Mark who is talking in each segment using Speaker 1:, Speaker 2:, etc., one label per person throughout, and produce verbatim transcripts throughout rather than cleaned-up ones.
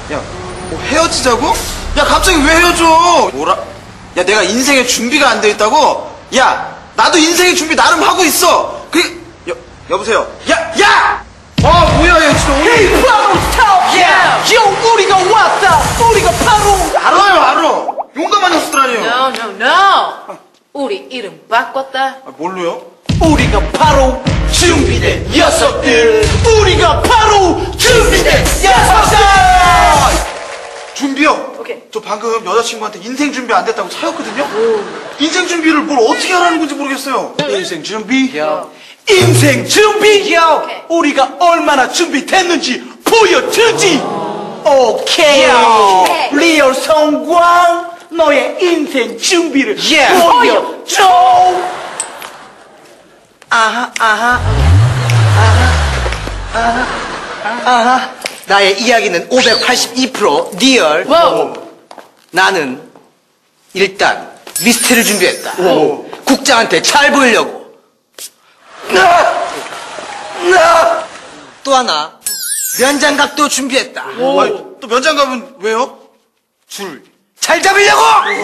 Speaker 1: 야, 뭐 헤어지자고? 야, 갑자기 왜 헤어져? 뭐라? 야, 내가 인생에 준비가 안 돼 있다고? 야, 나도 인생의 준비 나름 하고 있어. 그, 여, 여보세요. 야, 야! 아, 뭐야, 얘 진짜 오늘.
Speaker 2: Hey, 바로 스톱!
Speaker 1: 야!
Speaker 2: 요, 우리가 왔다! 우리가 바로!
Speaker 1: 알아요, 알아. 용감한 녀석들 아니에요.
Speaker 3: No, no, no. 우리 이름 바꿨다.
Speaker 1: 아, 뭘로요?
Speaker 2: 우리가 바로 준비된 녀석들! 우리가 바로 준비된 녀석들!
Speaker 1: 준비요?
Speaker 3: 오케이.
Speaker 1: 저 방금 여자친구한테 인생 준비 안 됐다고 차였거든요? 인생 준비를 뭘 어떻게 하라는 건지 모르겠어요. 인생 준비?
Speaker 2: 인생 준비!
Speaker 3: 오케이.
Speaker 2: 우리가 얼마나 준비됐는지 보여주지! 오케이!
Speaker 3: 오케이.
Speaker 2: 리얼 성광! 너의 인생 준비를
Speaker 1: Yeah.
Speaker 2: 보여줘! 아하, 아하, 아하, 아하, 아하. 나의 이야기는 오백팔십이 퍼센트 리얼.
Speaker 3: 와우.
Speaker 2: 나는 일단 리스트를 준비했다. 국장한테 잘 보이려고. 또 하나 면장갑도 준비했다.
Speaker 1: 아니, 또 면장갑은 왜요?
Speaker 2: 줄 잘 잡으려고.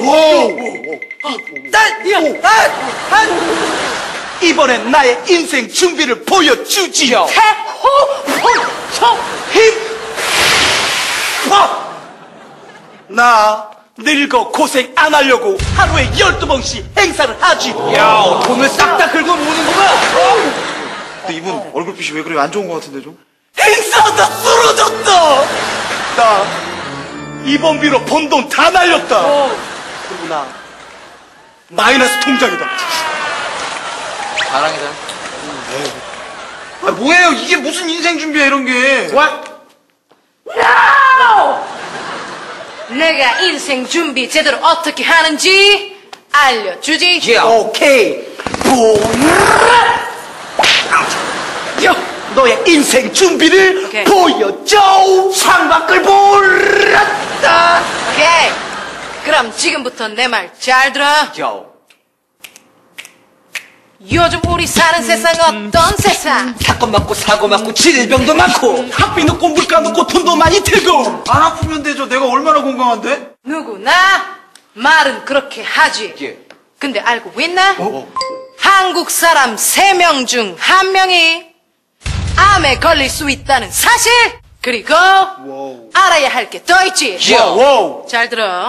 Speaker 2: 난, 난, 난 이번엔 나의 인생 준비를 보여주지.
Speaker 3: 태호, 폰, 청.
Speaker 2: 힘. 와! 나 늙어 고생 안 하려고 하루에 열두 번씩 행사를 하지. 야, 돈을 싹 다 긁어 모으는구나.
Speaker 1: 근데 이분 얼굴빛이 왜 그래요? 안 좋은 것 같은데 좀?
Speaker 2: 행사하다 쓰러졌다. 나 이번비로 번 돈 다 날렸다. 그리고 나 마이너스 통장이다.
Speaker 1: 자랑이다. 아, 뭐예요? 이게 무슨 인생 준비야, 이런 게.
Speaker 3: No! 내가 인생 준비 제대로 어떻게 하는지 알려주지.
Speaker 2: 오케이. 야, 너의 인생 준비를
Speaker 3: 오케이.
Speaker 2: 보여줘. 창밖을 보랐다.
Speaker 3: 오케이. 그럼 지금부터 내 말 잘 들어. 요즘 우리 사는 세상 어떤 세상?
Speaker 2: 사건 많고 사고 많고 질병도 많고 학비 높고 물가 높고 돈도 많이 들고.
Speaker 1: 안 아프면 되죠. 내가 얼마나 건강한데?
Speaker 3: 누구나 말은 그렇게 하지.
Speaker 2: 예.
Speaker 3: 근데 알고 있나?
Speaker 2: 어?
Speaker 3: 한국 사람 세 명 중 한 명이 암에 걸릴 수 있다는 사실. 그리고
Speaker 1: 와우.
Speaker 3: 알아야 할 게 더 있지.
Speaker 2: 와우.
Speaker 3: 잘 들어.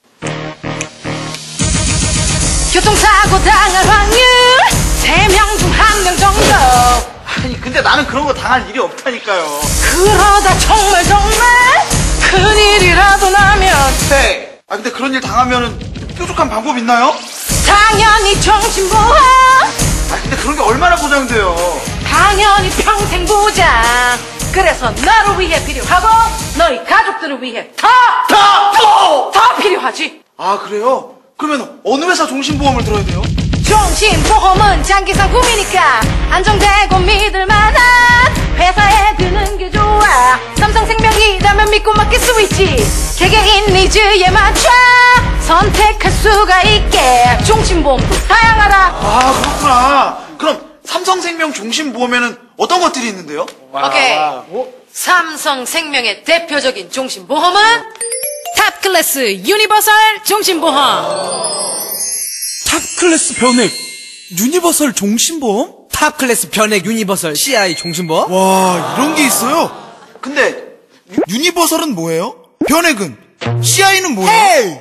Speaker 3: 교통사고 당할 확률 세 명 중 한 명 정도.
Speaker 1: 아니, 근데 나는 그런 거 당할 일이 없다니까요.
Speaker 3: 그러다 정말 정말 큰일이라도 나면
Speaker 1: 네. 아, 근데 그런 일 당하면은 뾰족한 방법 있나요?
Speaker 3: 당연히 정신보험,
Speaker 1: 아, 근데 그런 게 얼마나 보장돼요?
Speaker 3: 당연히 평생 보장. 그래서 너를 위해 필요하고 너희 가족들을 위해 더 더 더 더 필요하지.
Speaker 1: 아, 그래요? 그러면 어느 회사 종신보험을 들어야 돼요?
Speaker 3: 종신보험은 장기상 꿈이니까 안정되고 믿을만한 회사에 드는 게 좋아. 삼성생명이라면 믿고 맡길 수 있지. 개개인 니즈에 맞춰 선택할 수가 있게. 종신보험도 다양하다.
Speaker 1: 아, 그렇구나. 그럼 삼성생명 종신보험에는 어떤 것들이 있는데요?
Speaker 3: 오케이. 삼성생명의 대표적인 종신보험은 탑클래스 유니버설 종신보험.
Speaker 4: 탑클래스 변액 유니버설 종신보험?
Speaker 5: 탑클래스 변액 유니버설 씨아이 종신보험?
Speaker 4: 와, 이런 게 있어요?
Speaker 1: 근데
Speaker 4: 유, 유니버설은 뭐예요? 변액은? 씨아이는 뭐예요?
Speaker 5: 에이!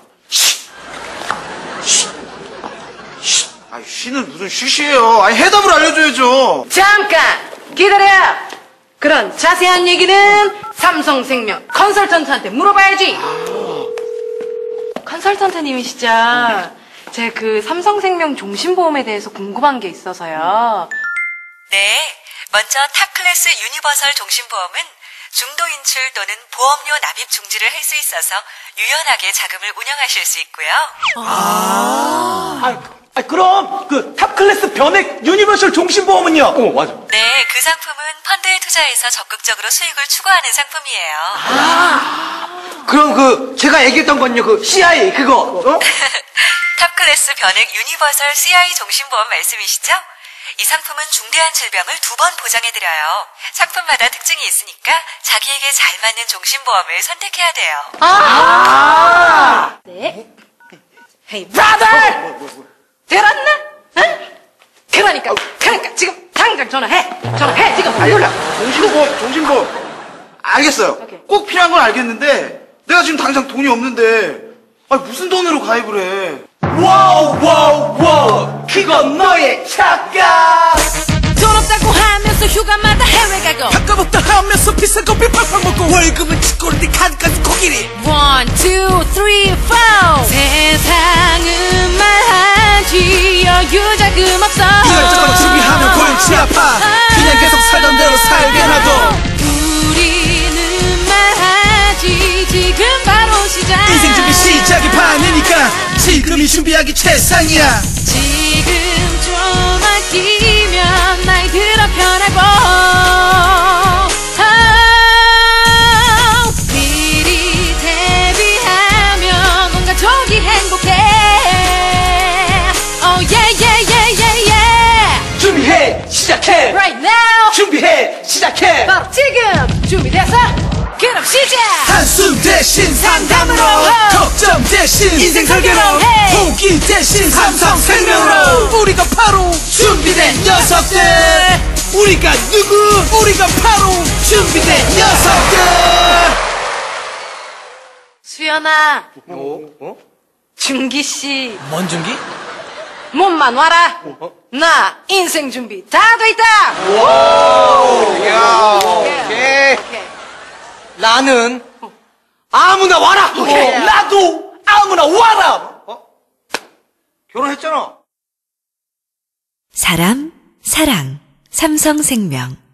Speaker 1: 아, 쉬는 무슨 쉬쉬예요. 아니, 해답을 알려줘야죠.
Speaker 3: 잠깐 기다려. 그런 자세한 얘기는 삼성생명 컨설턴트한테 물어봐야지.
Speaker 6: 컨설턴트님이시죠? 제가 그 삼성생명 종신보험에 대해서 궁금한 게 있어서요.
Speaker 7: 네, 먼저 탑클래스 유니버설 종신보험은 중도 인출 또는 보험료 납입 중지를 할 수 있어서 유연하게 자금을 운영하실 수 있고요.
Speaker 2: 아, 아, 그럼 그 탑클래스 변액 유니버설 종신보험은요? 어, 맞아.
Speaker 7: 네, 그 상품은 펀드에 투자해서 적극적으로 수익을 추구하는 상품이에요.
Speaker 2: 그럼 그 제가 얘기했던 건요, 그 씨아이 그거. 어?
Speaker 7: 탑클래스 변액 유니버설 씨아이 종신보험 말씀이시죠? 이 상품은 중대한 질병을 두 번 보장해드려요. 상품마다 특징이 있으니까 자기에게 잘 맞는 종신보험을 선택해야 돼요.
Speaker 3: 아! 네. Hey, brother! 들었나? 응? 그러니까, 그러니까 지금 당장 전화해! 전화해, 지금! 눌러!
Speaker 1: 종신보험, 종신보험. 알겠어요.
Speaker 3: 오케이.
Speaker 1: 꼭 필요한 건 알겠는데, 내가 지금 당장 돈이 없는데, 아니, 무슨 돈으로 가입을 해?
Speaker 2: 와우 와우 와우 그건 너의 착각.
Speaker 3: 돈 없다고 하면서 휴가마다 해외 가고
Speaker 5: 아까부터 하면서 비싼 커피 팍팍 먹고 월급은 치꼬리데 카드까지 코끼리.
Speaker 3: One, two, three, four 세상은 말하지 여유자금 없어
Speaker 5: 이것저것 준비하면 골치 아파. 그냥 계속 살던 대로 살게 놔둬.
Speaker 3: 우리는 말하지 지금 바로 시작
Speaker 5: 인생 준비 시작이 반이니까 지금이 준비하기 최상이야.
Speaker 3: 지금 좀 아끼면 나이 들어 편하고 아, 미리 대비하면 온 가족이 행복해 Oh yeah yeah yeah yeah yeah
Speaker 2: 준비해 시작해.
Speaker 3: Right now
Speaker 2: 준비해 시작해.
Speaker 3: 바로 지금 준비됐어? 그럼 시작
Speaker 5: 한숨 대신 상담으로 걱정 대신 인생 설계로
Speaker 3: Hey.
Speaker 5: 포기 대신 삼성생명으로 우리가 바로 준비된 녀석들. 우리가 누구? 우리가 바로 준비된 녀석들.
Speaker 3: 수연아 준기씨
Speaker 5: 뭔 준비?
Speaker 3: 몸만 와라 나 인생 준비 다 돼있다 오케이.
Speaker 2: 나는 아무나 와라.
Speaker 3: 오케이.
Speaker 2: 나도 아무나 와라.
Speaker 1: 결혼했잖아.
Speaker 7: 사람, 사랑, 삼성생명.